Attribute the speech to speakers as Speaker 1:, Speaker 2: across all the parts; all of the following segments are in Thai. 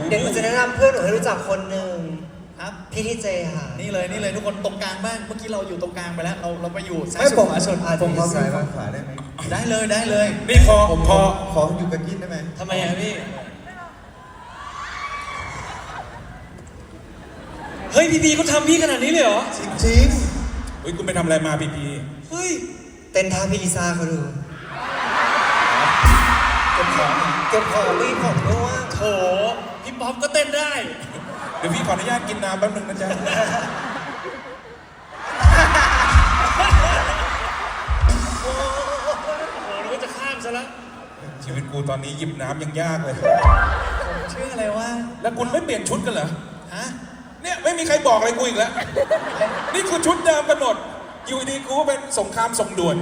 Speaker 1: เดี๋ยวหนูจะแนะนำเพื่อนหนูให้รู้จักคนหนึ่ง
Speaker 2: ครับ
Speaker 1: พี่ทีเจค่ะ
Speaker 2: นี่เลยทุกคนตรงกลางบ้างเมื่อกี้เราอยู่ตรงกลางไปแล้วเราไปอยู่ซ้าย
Speaker 3: ไม่
Speaker 2: สุด
Speaker 3: ผม
Speaker 2: ขวาสุด
Speaker 3: ผมขอซ้ายบ้างขวาได้ไหม
Speaker 2: ได้เลย
Speaker 4: นี่พอ
Speaker 3: ผม
Speaker 4: พอ
Speaker 3: ขออยู่กับกินได้ไหม
Speaker 2: ทำไมอ่ะพี่
Speaker 5: เฮ้ยพีเขาทำพี่ขนาดนี้เลยเหรอ
Speaker 3: จริง
Speaker 4: เฮ้ยคุณไปทำอะไรมาพีพี
Speaker 5: เฮ้ย
Speaker 1: เต้นท่าพี่ลิซ่าเขาดู
Speaker 2: เก็บของ
Speaker 1: เก็บของรีบของด้วย
Speaker 5: โถพี่ป๊อปก็เต้นได้
Speaker 4: เดี๋ยวพี่ขออนุญาตกินน้ำแป๊บนึงนะจ๊ะ
Speaker 5: โอ้โหนึกว่าจะข้ามซะแล้ว
Speaker 4: ชีวิตกูตอนนี้หยิบน้ำยังยากเลย
Speaker 2: ชื่ออะไรวะ
Speaker 4: แล้วคุณไม่เปลี่ยนชุดกันเหรอ
Speaker 2: ฮะ
Speaker 4: เนี่ยไม่มีใครบอกอะไรกูอีกแล้ว นี่คือชุดเดิมกันหมด อยู่ดีกูก็เป็นสงครามส่งด่วน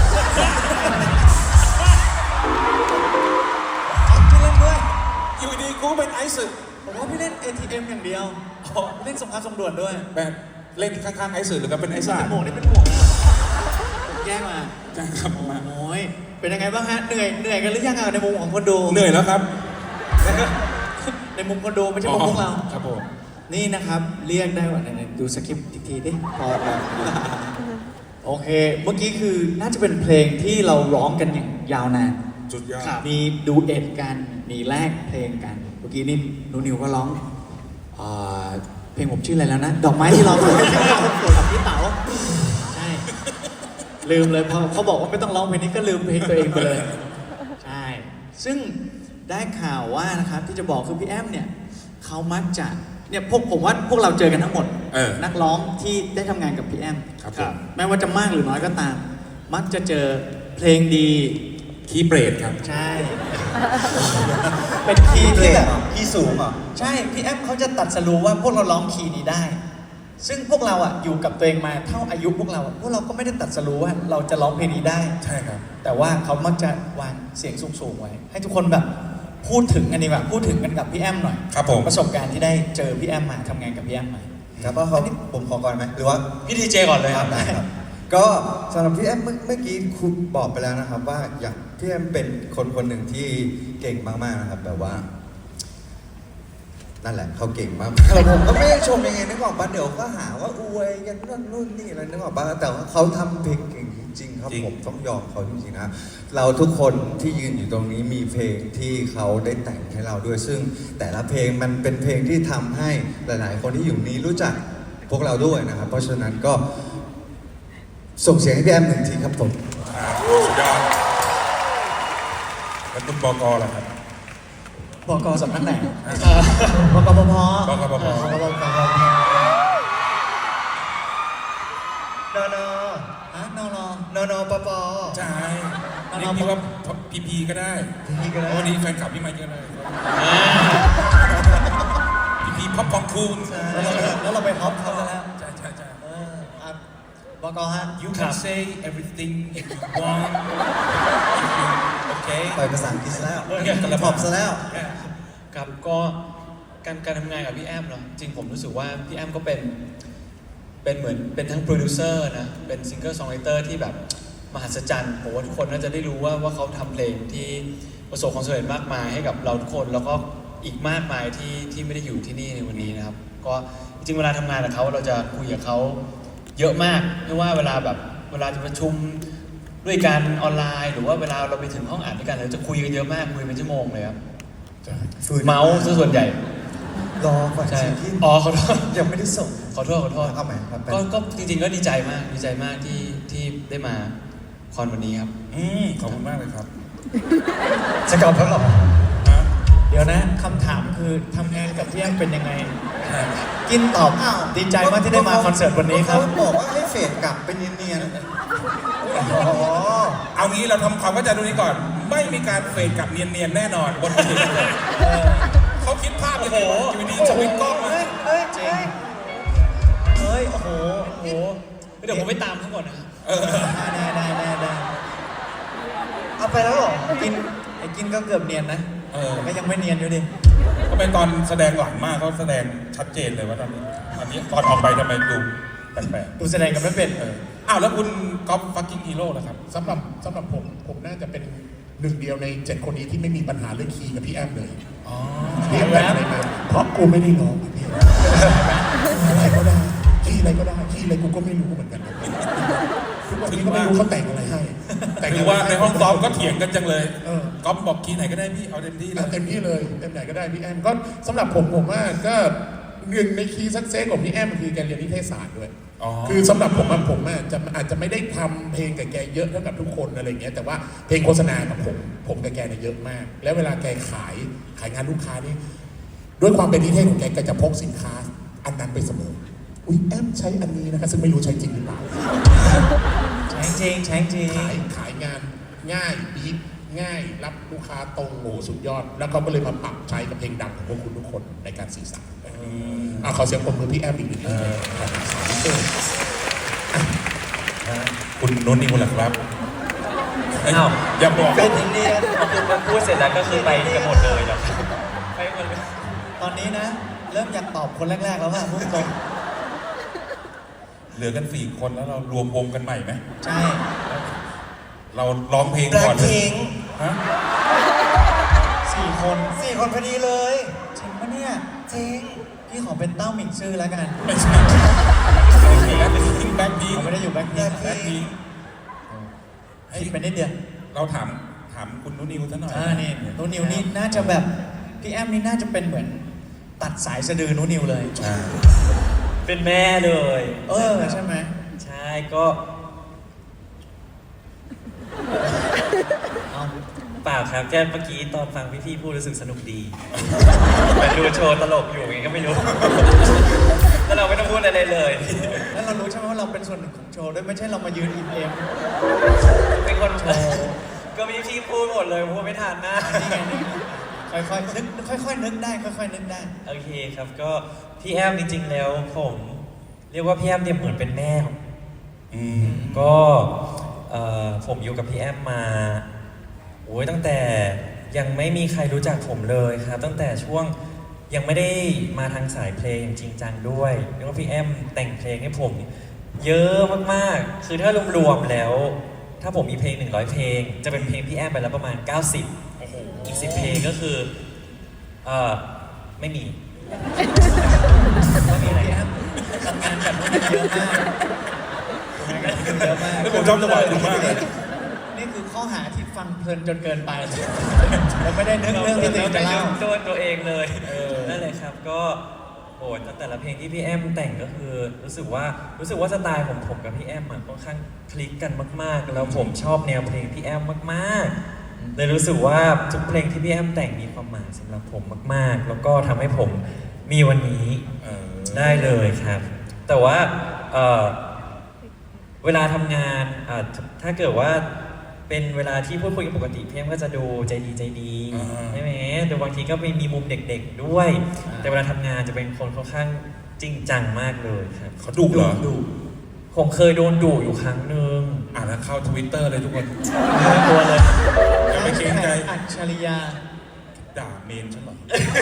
Speaker 2: พี่เล่นด้วย
Speaker 4: อยู่ดีกูก็เป็นไอซ์สึ
Speaker 2: ผมว่าพี่เล่น ATM อย่างเดียวอ๋อเล่นสงครามสงด่วนด้วย
Speaker 4: แบบเล่นข้างๆไอซ์สึหรือก็เป็นไอซ์ซ่า
Speaker 2: เป็นหมวกนี่เป็นหมวกนะผมแยกมา
Speaker 4: ใช่ครับผมมา
Speaker 2: โอ้ยเป็นยังไงบ้างฮะเหนื่อยกันหรือยังอ่ะในมุมของคนดู
Speaker 4: เหนื่อยแล้วครับ
Speaker 2: ในมุมคนดูไม่ใช่มุมพวกเรา
Speaker 4: ครับผม
Speaker 2: นี่นะครับเรียกได้ว่าไหนๆดูสคริปต์อีกทีดิพอโอเค เมื่อกี้คือน่าจะเป็นเพลงที่เราร้องกันอย่างยาวนาน
Speaker 4: สุดยอด
Speaker 2: มีดูเอ็ดกันมีแลกเพลงกันเมื่อกี้นี่หนูนิวก็ร้องเพลงผมชื่ออะไรแล้วนะ ดอกไม้ที่ร้องกับพี่เต๋าใช่ลืมเลยพอเขาบอกว่าไม่ต้องร้องเพลงนี้ก็ลืมเพลงตัวเองไปเลยใช่ซึ่งได้ข่าวว่านะครับที่จะบอกคือพี่แอมเนี่ยเขามักจะเนี่ยผมว่าพวกเราเจอกันทั้งหมด นักร้องที่ได้ทำงานกับพี่แอม
Speaker 4: ครับผม
Speaker 2: ไม่ว่าจะมากหรือน้อยก็ตาม มักจะเจอเพลงดี
Speaker 4: คีย์เบรดครับ
Speaker 2: ใช่ เป็นคีย์
Speaker 3: เป
Speaker 2: ที่
Speaker 3: ลี่ยน
Speaker 2: แบบ
Speaker 3: เหรอพี่สูงเหรอ
Speaker 2: ใช่ พี่แอมเขาจะตัดสรู้ว่าพวกเราร้องคีย์นี้ได้ ซึ่งพวกเราอ่ะอยู่กับตัวเองมาเท่าอายุพวกเราก็ไม่ได้ตัดสรู้ว่าเราจะร้องเพลงนี้ได้
Speaker 4: ใช่ครับ
Speaker 2: แต่ว่าเขามักจะวางเสียงสูงๆไว้ ให้ทุกคนแบบพูดถึงกันดีกว่าพูดถึงกันกับพี่แอมหน่อย
Speaker 4: ครับผม
Speaker 2: ประสบการณ์ที่ได้เจอพี่แอมมาทำงานกับพี่แอมมา
Speaker 3: ครับว่าเขาผมขอก่อนไหมหรือว่า
Speaker 5: พี่ทีเจก่อนเลยครับ
Speaker 3: ได้ครับ ก็สำหรับพี่แอมเมื่อกี้คุณบอกไปแล้วนะครับ ว่าอยากพี่แอมเป็นคนหนึ่งที่เก่งมากๆนะครับแบบว่า นั่นแหละเขาเก่งมากแต่ผมก็ไม่ได้ชมยังไงนึกออกปะเดี๋ยวก็หาว่าอวยกันนู่นนี่อะไรนึกออกปะแต่ว่าเขาทำเพลงเก่งจริงๆครับ
Speaker 4: จริง
Speaker 3: ผมต้องยอมเขาจริงๆนะเราทุกคนที่ยืนอยู่ตรงนี้มีเพลงที่เขาได้แต่งให้เราด้วย ซึ่งแต่ละเพลงมันเป็นเพลงที่ทำให้หลายๆ คนที่อยู่นี้รู้จักพวกเราด้วยนะครับ เพราะฉะนั้นก็ส่งเสียงให้พี่แอมหนึ่งทีครับผม
Speaker 4: สุดยอดแล้วคุณบกล่ะครับ
Speaker 2: บกสำนักไหนบกปพ
Speaker 4: บกปพ
Speaker 1: นอนอน
Speaker 2: ฮะนอน
Speaker 1: นอนปป
Speaker 4: ใช่เรียกพี่ว่าพีพีก็ได้
Speaker 1: พี่ก็ได้
Speaker 4: เพราะวันนี้แฟนคลับพี่มาเยอะเลยพีพีพ็อปปองคูน
Speaker 2: แล้วเราไปฮอปเขาซะแล้ว
Speaker 4: ใช่ใช่ใช่
Speaker 2: อ่ะบกฮะ
Speaker 4: You can say everything if you want okay
Speaker 3: ปล่อยภาษาอังกฤษซะแล้ว
Speaker 4: โอเค
Speaker 3: กระพอบซะแล้ว
Speaker 5: ครับก็การทำงานกับพี่แอมเนาะจริงผมรู้สึกว่าพี่แอมก็เป็นเหมือนเป็นทั้งโปรดิวเซอร์นะเป็นซิงเกิลซองไรเตอร์ที่แบบมหัศจรรย์ผมว่าทุกคนน่าจะได้รู้ว่าเขาทำเพลงที่ประสบความสำเร็จมากมายให้กับเราทุกคนแล้วก็อีกมากมายที่ไม่ได้อยู่ที่นี่ในวันนี้นะครับก็จริงๆเวลาทำงานกับเขาเราจะคุยกับเขาเยอะมากไม่ว่าเวลาจะประชุมด้วยกันออนไลน์ หรือว่าเวลาเราไปถึงห้องอ่านด้วยกันเราจะคุยกันเยอะมากคุยเป็นชั่วโมงเลยครับเมาส์ซะส่วนใหญ่
Speaker 3: รอก่อน
Speaker 5: ใช่
Speaker 3: สิที่
Speaker 5: อ๋อขอโทษ
Speaker 3: ยังไม่ได้ส่ง
Speaker 5: ขอโทษ
Speaker 3: เอาใหม่ครับ
Speaker 5: ก็จริงๆก็ดีใจมากที่ได้มาคอนวันนี้ครับ
Speaker 4: ขอบคุณมากเลยครับ
Speaker 1: จะกลับแล้วเหรอ
Speaker 4: ฮะ
Speaker 2: เดี๋ยวนะคำถามคือทำงานกับพี่แอมเป็นยังไง กินตอบดีใจมากที่ได้มาคอนเสิร์ตวันนี้ครับ
Speaker 3: เขาบอกว่าให้เฟดกลับไปเนียนๆอ๋อ
Speaker 4: เอางี้เราทำความเข้าใจตรงนี้ก่อน ไม่มีการเฟดกลับเนียนๆแน่นอนบนเวทีเขาคิดภาพยังไงวะอยู่ดีๆสวิตช์กล้องมา
Speaker 2: จริงเฮ้ยโอ้โห
Speaker 5: โอ้โหเดี๋ยวผมไปตามเขาก่อนนะ
Speaker 2: ได้
Speaker 1: เอาไปแล้วเหรอ
Speaker 2: กินก็เกือบเนียนนะแต่ก็ยังไม่เนียนอยู่ดิ
Speaker 4: ก็เป็นตอนแสดงหลังมากเขาแสดงชัดเจนเลยว่าตอนนี้ตอนออกไปทำไมดูแปลก
Speaker 2: ดูแสดงกันไม่เป็น
Speaker 4: ๆอ้าวแล้วคุณก๊อฟฟักกิ้งฮีโร่ล่ะครับ
Speaker 6: สำหรับผมน่าจะเป็นหนึ่งเดียวใน 7 คนนี้ที่ไม่มีปัญหาเรื่องคีย์กับพี่แอมเลย
Speaker 4: อ๋อ
Speaker 6: พี่แอมแต่งอะไรมากูไม่ได้ร้องอะพี่อะไรก็ได้ขี้อะไรก็ได้ขี้อะไรกูก็ไม่รู้เหมือนกันนะทุกวันนี้ก็ไม่รู้เขาแต่งอะไรให้แต่ง
Speaker 4: ถือว่าในห้องซ้อมก็เถียงกันจังเลย
Speaker 6: เออ
Speaker 4: ก๊อฟบอกคีย์ไหนก็ได้พี่เอาเต็มที่เลย
Speaker 6: เต็มที่เลยเต็มไหนก็ได้พี่แอมก็สำหรับผมว่าก็หนึ่งในคีย์สักเซสของพี่แอมคือการเรียนนิเทศศาสตร์ด้วย
Speaker 4: อ๋อ
Speaker 6: คือสำหรับผมอาจจะไม่ได้ทำเพลงกับแกเยอะเท่ากับทุกคนอะไรเงี้ยแต่ว่าเพลงโฆษณากับผมกับแกเนี่ยเยอะมาก แล้วเวลาแกขายงานลูกค้านี่ด้วยความเป็นนิเทศของแกจะพกสินค้าอันนั้นไปเสมออุ้ยแอมใช้อันนี้นะคะซึ่งไม่รู้ใช้จริงหรือเปล่า
Speaker 2: ใช้จริงใช้จริง
Speaker 6: ขายงานง่ายบีบง่ายรับลูกค้าตรงโหสุดยอด แล้วเขาก็เลยมาปรับใช้กับเพลงดังของพวกคุณทุกคนในการสื่อสารขอเสียงปรบมือพี่แอมอีกหนึ่งทีครับ
Speaker 4: คุณนุ่นนี่คนละครับ
Speaker 7: อ้าว
Speaker 4: อย่าบอก
Speaker 1: เป็นอินเดียน
Speaker 7: คือมันพูดเสร็จแล้วก็คือไปกันหมดเลยเหรอไปหมดเลย
Speaker 2: ตอนนี้นะ เริ่มอยากตอบคนแรกๆแล้วว่าพูดตรง
Speaker 4: เหลือกัน4 คนแล้วเรารวมวงกันใหม่ไหม
Speaker 2: ใช่
Speaker 4: เราร้องเพลง
Speaker 1: แบล็
Speaker 4: ก่อ
Speaker 1: คน
Speaker 4: เลย
Speaker 1: พิงค์
Speaker 4: ฮะ
Speaker 2: 4 คน
Speaker 1: 4 คนพอดีเลย
Speaker 2: จริงปะเนี่ย
Speaker 1: จริง
Speaker 2: พี่ขอเป็นเต้าหมิงซื่อแล้วกัน
Speaker 4: ไม่ใช่แล้วเป็นพิงแบ็คพิง
Speaker 2: เขาไม่ได้อยู่แบ็คพิง
Speaker 4: แบ็คพิง
Speaker 2: ผิดไปนิดเดียว
Speaker 4: เราถามคุณนุ่นนิวซะหน่อย
Speaker 2: นี่นูนิวนี่น่าจะแบบพี่แอมนี่น่าจะเป็นเหมือนตัดสายสะดือนูนิวเลย
Speaker 4: อ่า
Speaker 7: เป็นแม่เลย
Speaker 2: ใช่ไหม
Speaker 7: ใช่ก็
Speaker 2: เอา
Speaker 7: เปล่าครับแค่เมื่อกี้ตอนฟังพี่ๆพูดรู้สึกสนุกดีเหมือนดูโชว์ตลกอยู่ไงก็ไม่รู้ แล้วเราไม่ต้องพูดอะไรเลย
Speaker 2: แล้วเรารู้ใช่ไหมว่าเราเป็นส่วนหนึ่งของโชว์ด้วยไม่ใช่เรามายืนอิ่มเอม
Speaker 7: เป็นคนโชว์ก็พี่ๆพูดหมดเลยพูดไม่ทันนะ
Speaker 2: นี่ไงนี่ค่อยๆนึกค่อยๆนึกได้ค่อยๆนึกได้
Speaker 7: โอเคครับก็พี่แอมจริงๆแล้วผมเรียกว่าพี่แอมเนี่ยเหมือนเป็นแม่ของ
Speaker 4: อืม
Speaker 7: ก็ผมอยู่กับพี่แอมมาโอ้ยตั้งแต่ยังไม่มีใครรู้จักผมเลยครับตั้งแต่ช่วงยังไม่ได้มาทางสายเพลงจริงจังด้วยเรียกว่าพี่แอมแต่งเพลงให้ผมเยอะมากๆคือถ้ารวมๆแล้ว ถ้าผมมีเพลง100 เพลง จะเป็นเพลงพี่แอมไปแล้วประมาณ 90
Speaker 4: โอ้โห
Speaker 7: อีก10 เพลงก็คือไม่มี
Speaker 2: ไม่มีอะไรครับทำงานแบบนี้เยอะมากทำงานแบบนี้เยอะมาก
Speaker 4: แล้วผมชอบจังหวะคุณมากเลย
Speaker 2: นี่คือข้อหาที่ฟังเพลินจนเกินไปแล้วไม่ได้นึกเรื่องที่ตัวเองจะเล่า
Speaker 7: ตัวเองเลยนั่นเลยครับก็โอ้แต่ละเพลงที่พี่แอมแต่งก็คือรู้สึกว่าสไตล์ผมกับพี่แอมอะค่อนข้างคลิกกันมากๆ แล้วผมชอบแนวเพลงพี่แอมมากๆเลยรู้สึกว่าทุกเพลงที่พี่แอมแต่งมีความหมายสำหรับผมมากๆ แล้วก็ทำให้ผมมีวันนี้ ได้เลยครับ แต่ว่าเวลาทำงานถ้าเกิดว่าเป็นเวลาที่พูดคุยกันปกติพี่แอมก็จะดูใจดีใช่ไหมแต่บางทีก็มีมุมเด็กๆด้วย แต่เวลาทำงานจะเป็นคนค่อนข้างจริงจังมากเลยครับ
Speaker 4: เขาดุเหรอ
Speaker 2: ดุ
Speaker 7: ผมเคยโดนดุอยู่ครั้งหนึ่ง
Speaker 4: อ่านแล้วเข้า Twitter เลยทุกคน
Speaker 7: ตัวเลย
Speaker 4: อย่าไปเกรงใจ
Speaker 2: อัจฉริยะ
Speaker 4: ด่าเมนฉันเหรอ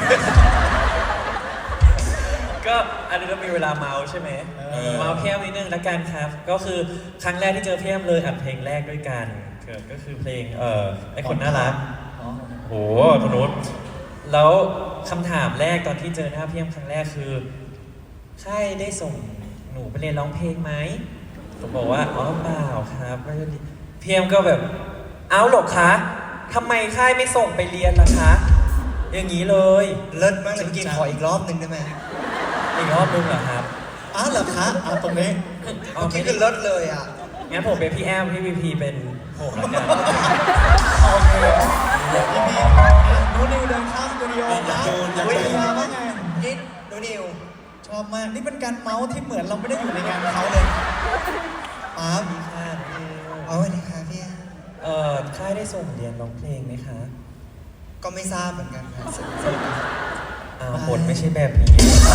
Speaker 7: ก็อันนี้เรามีเวลาเมาใช่ไหมเมาพี่แอมนิดนึงละกันครับ ก็คือครั้งแรกที่เจอพี่แอมเลยอัดเพลงแรกด้วยกันก็คือเพลงไอ้คนน่ารัก
Speaker 2: อ๋อ
Speaker 7: โหคุณนุชแล้วคำถามแรกตอนที่เจอหน้าพี่แอมครั้งแรกคือค่ายได้ส่งหนูไปเรียนร้องเพลงไหมผมบอกว่าอ๋อเปล่าครับไม่ได้พี่แอมก็แบบเอ้าหรอคะทำไมค่ายไม่ส่งไปเรียนล่ะคะ อย่างนี้เลย
Speaker 1: เลิศมากเลยเมื่อกี้ขออีกรอบหนึ่งได้ไหม
Speaker 7: อีกรอบนึงเหรอครับ
Speaker 2: อ้าวเหรอคะเอาตรงนี้
Speaker 7: อ๋อ
Speaker 1: เมื่อ
Speaker 7: ไม่
Speaker 1: กี้
Speaker 7: ได้
Speaker 1: คือเลิศเลยอ่ะ
Speaker 7: งั้นผมเป็นพี่แอมพี่พีพีเป็นผมแล้วกัน
Speaker 2: โอเคพี่พีนูนิวเดินข้ามสตูดิโอนะ
Speaker 4: อยาก
Speaker 2: วิ
Speaker 4: เจอ
Speaker 2: ทยาว่าไง
Speaker 1: ยิดดูนิว
Speaker 2: ชอบมาก นี่เป็นการเมาส์ที่เหมือนเราไม่ได้อยู่ในงานเขาเลยป๊าบ
Speaker 7: ค่ะ
Speaker 1: เอาไว้เลยค่ะพี่
Speaker 7: ค่ายได้ส่งเรียนร้องเพลงไหมคะ
Speaker 1: ก็ไม่ทราบเหมือนกันค่ะ
Speaker 7: บทไม่ใช่แบบนี้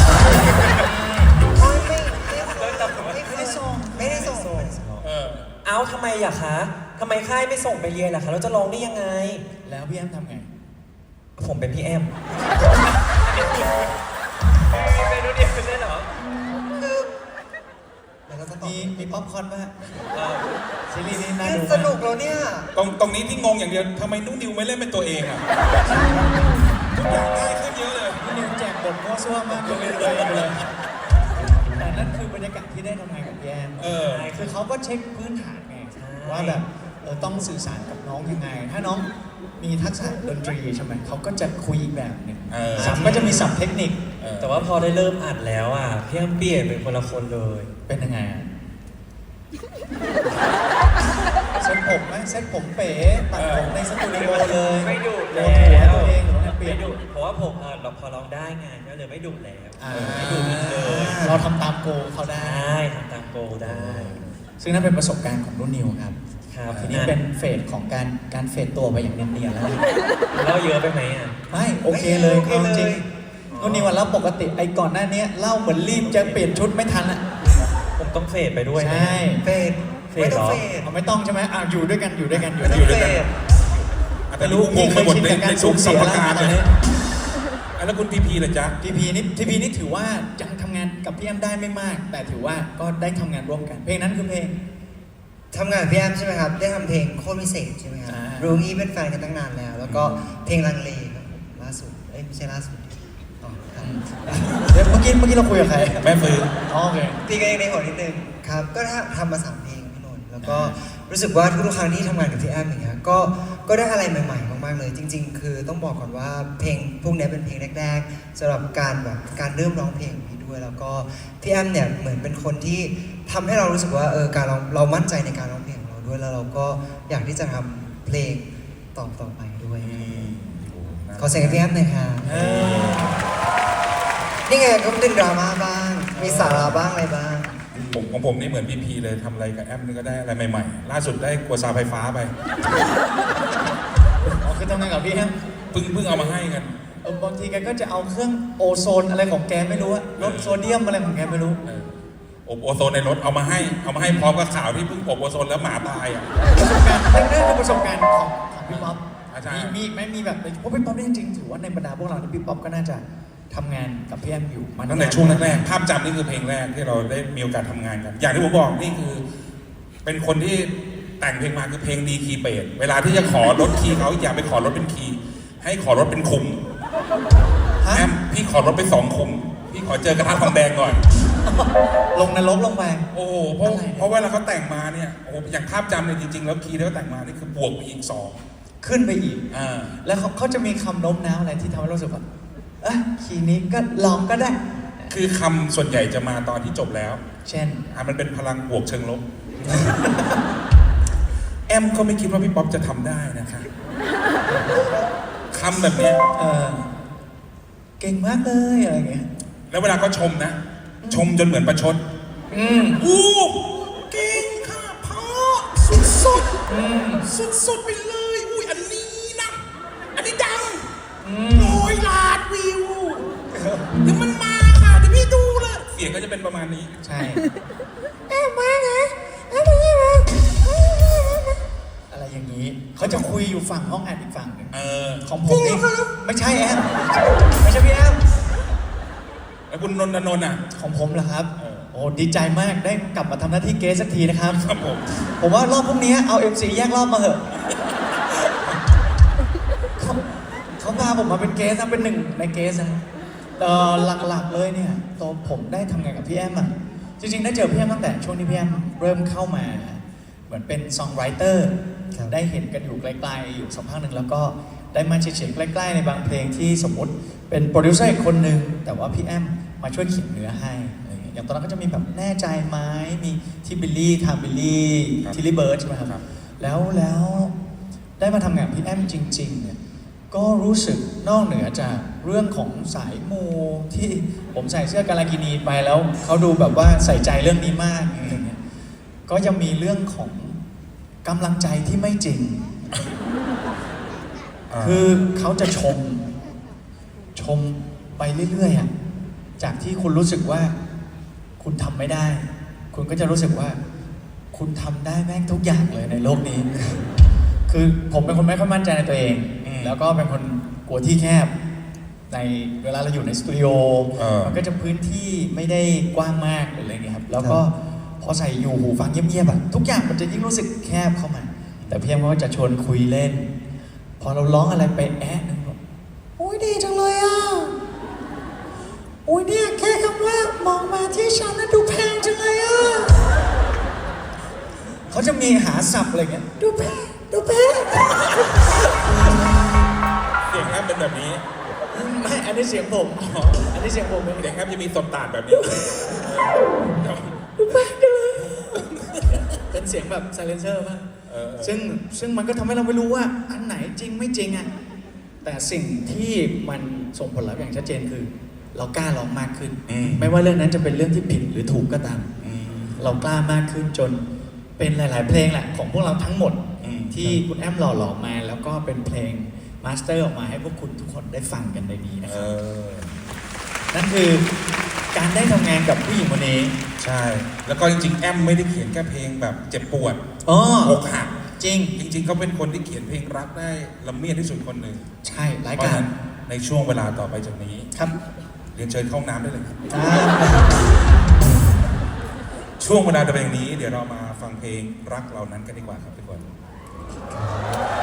Speaker 1: ไม่ได้ส่งไม่ได้ส่ง
Speaker 7: เอ้าทำไมอะคะทำไมค่ายไม่ส่งไปเรียนล่ะคะเราจะร้องได้ยังไง
Speaker 2: แล้วพี่แอมทำไง
Speaker 7: ผมเป็นพี่แอมเป็นรู้เดียวใช่เหรอ
Speaker 1: เดี๋ยวเราจะตอบ
Speaker 2: มีป๊อปคอร์นป่ะซีรีส์นี้น่า
Speaker 1: เล่
Speaker 2: ดู
Speaker 1: น
Speaker 2: มาก
Speaker 1: สนุกแล้วเนี่ย
Speaker 4: ตรงนี้ที่งงอย่างเดียวทำไมนุ่นนิวไม่เล่นเป็นตัวเองอ่ะทุกอย่างง่ายขึ้นเยอะเลย
Speaker 2: พี่นิวแจกบทดมั่วซั่วมากเลยแต่นั่นคือบรรยากาศที่ได้ทำงานกับพี่แอม คือเขาก็เช็คพื้นฐานไงว่าแบบต้องสื่อสารกับน้องยังไง ถ้าน้องมีทักษะดนตรีใช่ไหมเขาก็จะคุยอีกแบบหนึ่งสับก็จะมีสับเทคนิค
Speaker 7: แต่ว่าพอได้เริ่มอัดแล้วอ่ะพี่แอมเปลี่ยนเป็นคนละคนเลย
Speaker 2: เป็นยังไงอะเซ็ตผมไหมเซ็ตผมเป๋ตัดผมในสตูดิโอเลย
Speaker 7: ไม่ดุ
Speaker 2: โด
Speaker 7: แล้
Speaker 2: นหัว
Speaker 7: ว
Speaker 2: ตัวเองหรือว่าเปลี่ย
Speaker 7: ไม่
Speaker 2: น
Speaker 7: ดุเพราะว่าผมเราพอร้องได้ไงก็เลยไม่ดุแล้ว
Speaker 2: ไม่ดูเลยเราทำตามโกเขาได้
Speaker 7: ได้ทำตามโกได้
Speaker 2: ซึ่งนั่นเป็นประสบการณ์ของรุ่นนิวครับ
Speaker 7: ครับ
Speaker 2: ทีนี้เป็นเฟสของการเฟดตัวไปอย่างเนียนๆแล้ว
Speaker 7: เล่าเยอะไปไหมอ่ะ
Speaker 2: ไม่โอเคเลย
Speaker 1: โอเคเลย
Speaker 2: เอาจริงรุ่นนิวอะเล่าปกติไอ้ก่อนหน้านี้เล่าเหมือนรีบจะเปลี่ยนชุดไม่ทันอะ
Speaker 7: ผมต้องเฟดไปด้วยนะ
Speaker 2: ใช่
Speaker 1: เฟดไม่ต้องเฟด
Speaker 2: เอาไม่ต้องใช่ไหมอยู่ด้วยกันอยู่ด้วยกัน
Speaker 1: ไม่ต้องเฟด
Speaker 4: แต่รู้งงไปหมดใน
Speaker 2: การ
Speaker 4: ทุ
Speaker 2: สู
Speaker 4: ก
Speaker 2: ญ
Speaker 4: ส
Speaker 2: เสีย
Speaker 4: ม
Speaker 2: แล้ว
Speaker 4: การ
Speaker 2: ตอน
Speaker 4: เล
Speaker 2: นี้
Speaker 4: ยแล้วคุณพีพีล่ะจ๊ะ
Speaker 2: ทีพีนี่ถือว่ายังทำงานกับพี่แอมได้ไม่มาก แต่ถือว่าก็ได้ทำงานร่วมกัน เพลงนั้นคือเพลง
Speaker 1: ทำงานกับพี่แอมใช่ไหมครับ ได้ทำเพลงโคตรพิเศษใช่ไหมครับ
Speaker 2: อ่า
Speaker 1: รู้งี้เป็นแฟนกันตั้งนานแล้ว แล้วก็เพลงลังเลครับผมล่าสุดไม่ใช่ล่าสุดอ๋อครับ
Speaker 2: เดี๋ยวเมื่อกี้เราคุยกับใคร
Speaker 4: แม่ฟื้น
Speaker 2: อ๋อโอเค
Speaker 1: ตีกันเองในหัวนิดนึงครับ ก็ทำมา3เพลงพี่นนท์แล้วก็รู้สึกว่าทุกๆครั้งที่ทำงานกับพี่แอมอย่างเงี้ยก็ได้อะไรใหม่ๆมากๆเลย จริง ๆ คือต้องบอกก่อนว่าเพลงพวกนี้เป็นเพลงแรกๆสำหรับการเริ่มร้องเพลงของพี่ด้วย แล้วก็พี่แอมเนี่ยเหมือนเป็นคนที่ทำให้เรารู้สึกว่าการเรามั่นใจในการร้องเพลงของเราด้วย แล้วเราก็อยากที่จะทำเพลงต่อไปด้วยขอเสียงให้พี่แอมหน่อยค่ะนี่ไงก็เป็นดราม่าบ้างมีสาระบ้างอะไรบ้าง
Speaker 4: ของผมนี่เหมือนพีพีเลยทำอะไรกับแอมนี่ก็ได้อะไรใหม่ๆ ล่าสุดได้กัวซาไฟฟ้าไป
Speaker 2: อ๋อคือทำงานกับพี่แอม
Speaker 4: เพิ่งเอามาให้กัน
Speaker 2: บางทีแกก็จะเอาเครื่องโอโซนอะไรของแกไม่รู้อะลดโซเดียมอะไรของแกไม่รู้
Speaker 4: อบโอโซนในรถเอามาให้พร้อมกับข่าวที่เพิ่งอบโอโซนแล้วหมาตายอ่ะ
Speaker 2: ประสบการณ์นั่นคือประสบการณ์ของพี่ป๊อป
Speaker 4: ใช่
Speaker 2: มีแบบเพราะพี่ป๊อปนี่จริงๆถือว่าในบรรดาพวกเราเนี่ยพี่ป๊อปก็น่าจะทำงานกับพี่แอมอยู่มา
Speaker 4: ตั้งแต่ช่วงแรกๆภาพจำนี่คือเพลงแรกที่เราได้มีโอกาสทำงานกัน อย่างที่ผมบอกนี่คือเป็นคนที่แต่งเพลงมาคือเพลงดีคีย์เบสเวลาที่จะขอลดคีย์เขาอย่าไปขอลดเป็นคีย์ให้ขอลดเป็นคุมแอมพี่ขอลดไป2 คุมพี่ขอเจอกระทะทองแดงก่อน
Speaker 2: ลงนรกลงไป
Speaker 4: โอ้โหเพราะเวลาเขาแต่งมาเนี่ยโอ้โหอย่างภาพจำเนี่ยจริงๆแล้วคีย์ที่เขาแต่งมานี่คือบวกไปอีก2
Speaker 2: ขึ้นไปอีก
Speaker 4: า
Speaker 2: แล้วเขาจะมีคำโน้มน้าวอะไรที่ทำให้เรารู้สึกว่าคีย์นี้ก็ลองก็ได้
Speaker 4: คือคำส่วนใหญ่จะมาตอนที่จบแล้ว
Speaker 2: เช่น
Speaker 4: มันเป็นพลังบวกเชิงลบ แอมก็ไม่คิดว่าพี่ป๊อปจะทำได้นะคะคำแบบเนี้ย
Speaker 2: เก่งมากเลยอะไรเงี้ย
Speaker 4: แล้วเวลาก็ชมนะ ชมจนเหมือนประชดอู้เก่งค่ะพ่อสุดไปเลยอุ้ยอันนี้นะอันนี้ดัง100 ล้านวิวเดี๋ยวมันมาค่ะเดี๋ยวพี่ดูเลยเสียงก็จะเป็นประมาณนี้
Speaker 2: ใช่อะไรอย่างนี้เขาจะคุยอยู่ฝั่งห้องอัดอีกฝั่งหนึ่งของผมนี่ไม่ใช่แอมไม่ใช่พี่แอม
Speaker 4: แล้วคุณนนท์อ่ะ
Speaker 2: ของผมเหรอครับ โอ้ดีใจมากได้กลับมาทำหน้าที่เกสสักทีนะครับ
Speaker 4: ครับผม
Speaker 2: ผมว่ารอบพวกนี้เอา MC แยกรอบมาเถอะเขาพาผมมาเป็นเกสนะเป็นหนึ่งในเกสนะหลักๆเลยเนี่ยตัวผมได้ทำงานกับพี่แอมอ่ะจริงๆได้เจอพี่แอมตั้งแต่ช่วงที่พี่แอมเริ่มเข้ามาเหมือนเป็นซองไรเตอร์ได้เห็นกันอยู่ไกลๆอยู่สักพักหนึ่งแล้วก็ได้มาเฉียดๆใกล้ๆในบางเพลงที่สมมุติเป็นโปรดิวเซอร์อีกคนหนึ่งแต่ว่าพี่แอมมาช่วยเขียนเนื้อให้อะไรอย่างเงี้ยอย่างตอนนั้นก็จะมีแบบแน่ใจไหมมีที่บิลลี่ทามบิลลี่ทิลลี่เบิร์ดใช่ไหมครับแล้วได้มาทำงานกับพี่แอมจริงๆเนี่ยก็รู้สึกนอกเหนือจากเรื่องของสายมูที่ผมใส่เสื้อกาลากินีไปแล้วเขาดูแบบว่าใส่ใจเรื่องนี้มากอะไรเงี้ยก็ยังมีเรื่องของกำลังใจที่ไม่จริง คือเขาจะชมไปเรื่อยๆอ่ะจากที่คุณรู้สึกว่าคุณทำไม่ได้ คุณก็จะรู้สึกว่าคุณทำได้แม่งทุกอย่างเลยในโลกนี้ คือผมเป็นคนไม่ค่อยมั่นใจในตัวเอง แล้วก็เป็นคนกลัวที่แคบในเวลาเราอยู่ในสตูดิโอมันก็จะพื้นที่ไม่ได้กว้างมากหรืออะไรเงี้ยครับแล้วก็พอใส่อยู่หูฟังเงียบๆอ่ะทุกอย่างมันจะยิ่งรู้สึกแคบเข้ามาแต่พี่แอมก็จะชวนคุยเล่นพอเราร้องอะไรไปแอะนึงบอกโอ้ยดีจังเลยอ่ะเขาจะมีหาศัพท์อะไรเงี้ยดูแพ้ดูแพ้
Speaker 4: เสียงแอมเป็นแบบนี้
Speaker 2: ไม่อันนี้เสียงผมอันนี้เสียงผมเอง
Speaker 4: เสียงแอมจะมีสดตาดแบบนี้
Speaker 2: เป็นเสียงแบบไซเลนเซอร์ป่ะ
Speaker 4: เออ
Speaker 2: ซึ่งมันก็ทำให้เราไม่รู้ว่าอันไหนจริงไม่จริงอ่ะแต่สิ่งที่มันส่งผลลัพธ์อย่างชัดเจนคือ เรากล้าร้องมากขึ้น ไม่ว่าเรื่องนั้นจะเป็นเรื่องที่ผิดหรือถูกก็ตาม เรากล้ามากขึ้นจนเป็นหลาย ๆ เพลงแหละของพวกเราทั้งหมด ที่คุณแอมหล่อหลอมมา แล้วก็เป็นเพลงมาสเตอร์ออกมาให้พวกคุณทุกคนได้ฟังกันในนี้นะ
Speaker 4: เอ
Speaker 2: ครับ
Speaker 4: อ
Speaker 2: นั่นคือการได้ทำงานกับผู้หญิงคนนี้
Speaker 4: ใช่ แล้วก็จริงๆแอมไม่ได้เขียนแค่เพลงแบบเจ็บปวด
Speaker 2: อ๋อ
Speaker 4: อกหัก
Speaker 2: จริง
Speaker 4: จริงๆเขาเป็นคนที่เขียนเพลงรักได้ละเมียดที่สุดคนหนึ่ง
Speaker 2: ใช่ราย
Speaker 4: เพราะ
Speaker 2: กา
Speaker 4: ฉะ
Speaker 2: ร
Speaker 4: นั้นในช่วงเวลาต่อไปจากนี้
Speaker 2: ครับ
Speaker 4: เรียนเชิญเข้าห้องน้ำได้เลยครับ
Speaker 2: อ่า
Speaker 4: ช่วงเวลาต่อไปจากนี้ เดี๋ยวเรามาฟังเพลงรักเรานั้นกันดีกว่าครับทุกคน